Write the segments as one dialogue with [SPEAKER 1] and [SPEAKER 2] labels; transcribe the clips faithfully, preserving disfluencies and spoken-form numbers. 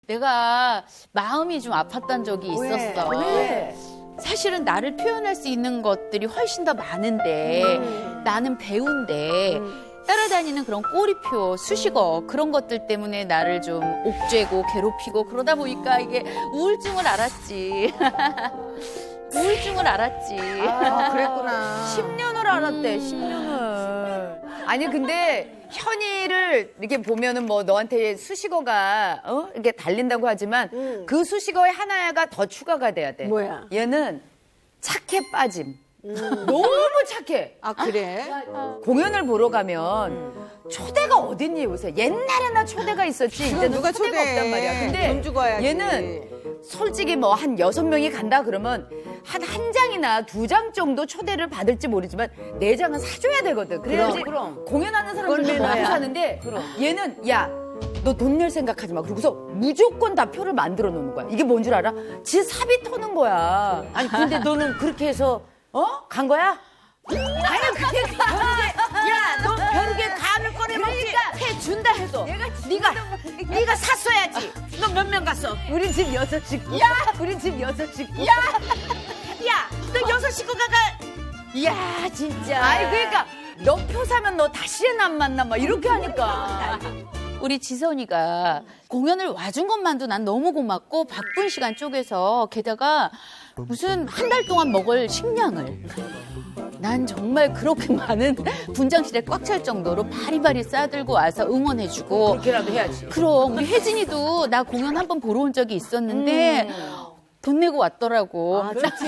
[SPEAKER 1] 내가 마음이 좀 아팠던 적이 있었어.
[SPEAKER 2] 왜?
[SPEAKER 1] 사실은 나를 표현할 수 있는 것들이 훨씬 더 많은데
[SPEAKER 2] 음.
[SPEAKER 1] 나는 배우인데 따라다니는 그런 꼬리표, 수식어 그런 것들 때문에 나를 좀 옥죄고 괴롭히고 그러다 보니까 이게 우울증을 알았지. 우울증을 알았지.
[SPEAKER 2] 아, 그랬구나.
[SPEAKER 3] 십 년을 알았대, 십 년을. 아니, 근데 현이를 이렇게 보면은 뭐 너한테 수식어가, 어? 이렇게 달린다고 하지만
[SPEAKER 2] 음.
[SPEAKER 3] 그 수식어에 하나가 더 추가가 돼야 돼.
[SPEAKER 2] 뭐야?
[SPEAKER 3] 얘는 착해 빠짐. 너무 착해.
[SPEAKER 2] 아, 그래?
[SPEAKER 3] 공연을 보러 가면 초대가 어딨니 요새? 옛날에나 초대가 있었지. 이제는
[SPEAKER 2] 누가
[SPEAKER 3] 초대가
[SPEAKER 2] 초대해.
[SPEAKER 3] 없단 말이야. 근데
[SPEAKER 2] 돈 주고 와야지.
[SPEAKER 3] 얘는 솔직히 뭐 한 여섯 명이 간다 그러면 한 한 장이나 두 장 정도 초대를 받을지 모르지만 네 장은 사줘야 되거든. 그래야지
[SPEAKER 1] 그럼.
[SPEAKER 3] 공연하는 사람들도
[SPEAKER 2] 그건
[SPEAKER 3] 먹고
[SPEAKER 2] 매너야.
[SPEAKER 3] 사는데 얘는 야 너 돈 낼 생각하지 마. 그러고서 무조건 다 표를 만들어 놓는 거야. 이게 뭔 줄 알아? 지 사비 터는 거야.
[SPEAKER 4] 아니 근데 너는 그렇게 해서
[SPEAKER 3] 어?
[SPEAKER 4] 간 거야?
[SPEAKER 3] 아니 그러니까
[SPEAKER 4] 야, 너 벼룩에 감을 꺼내 먹지. 해 준다 해도. 네가 네가 샀어야지. 너 몇 명 갔어?
[SPEAKER 3] 우리 집 여섯 식구. 야, 우리 집 여섯 식구.
[SPEAKER 4] 야, 야, 너 여섯 식구가 가. 이야, 진짜.
[SPEAKER 3] 아니 그러니까 너 표 사면 너 다시는 안 만나 막 이렇게 하니까.
[SPEAKER 1] 우리 지선이가 공연을 와준 것만도 난 너무 고맙고 바쁜 시간 쪼개서 게다가 무슨 한 달 동안 먹을 식량을 난 정말 그렇게 많은 분장실에 꽉 찰 정도로 바리바리 싸들고 와서 응원해주고
[SPEAKER 3] 그렇게라도 해야지.
[SPEAKER 1] 그럼 우리 혜진이도 나 공연 한 번 보러 온 적이 있었는데 돈 내고 왔더라고.
[SPEAKER 3] 아, 그렇지.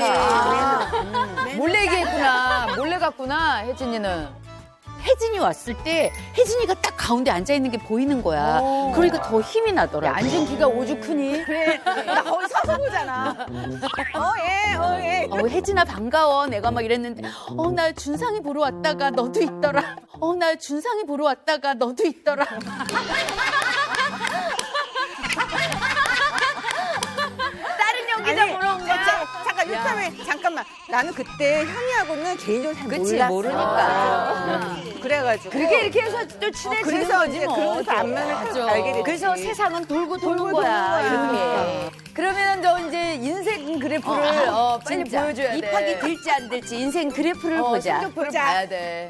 [SPEAKER 3] 몰래 얘기했구나. 몰래 갔구나, 혜진이는.
[SPEAKER 1] 혜진이 왔을 때 혜진이가 딱 가운데 앉아 있는 게 보이는 거야. 그러니까 더 힘이 나더라고.
[SPEAKER 3] 앉은 키가 오죽 크니?
[SPEAKER 2] 그래. 나 거기 서서 보잖아. 어, 예, 어, 예.
[SPEAKER 1] 어, 혜진아 반가워. 내가 막 이랬는데 어, 나 준상이 보러 왔다가 너도 있더라. 어, 나 준상이 보러 왔다가 너도 있더라.
[SPEAKER 3] 다른 연기자
[SPEAKER 2] 아니,
[SPEAKER 3] 보러 온 거야.
[SPEAKER 2] 자, 잠깐, 유타민 잠깐만. 나는 그때 현이하고는 개인적으로 잘
[SPEAKER 3] 그치,
[SPEAKER 2] 몰랐어.
[SPEAKER 3] 모르니까.
[SPEAKER 2] 음, 그래가지고.
[SPEAKER 3] 그렇게 이렇게 해서 또
[SPEAKER 2] 어,
[SPEAKER 3] 친해지는
[SPEAKER 2] 그래서
[SPEAKER 3] 거지
[SPEAKER 2] 이제
[SPEAKER 3] 뭐.
[SPEAKER 2] 그러면서 안면을
[SPEAKER 1] 맞아.
[SPEAKER 2] 알게 됐지.
[SPEAKER 4] 그래서 세상은 돌고 도는
[SPEAKER 2] 돌고
[SPEAKER 4] 거야.
[SPEAKER 2] 도는 거야.
[SPEAKER 4] 이렇게.
[SPEAKER 3] 그러면 너 이제 인생 그래프를 어, 빨리
[SPEAKER 4] 진짜.
[SPEAKER 3] 보여줘야 돼.
[SPEAKER 4] 입학이 될지 안 될지 인생 그래프를
[SPEAKER 3] 어,
[SPEAKER 4] 보자.
[SPEAKER 3] 성적표를
[SPEAKER 2] 보자.
[SPEAKER 3] 봐야 돼.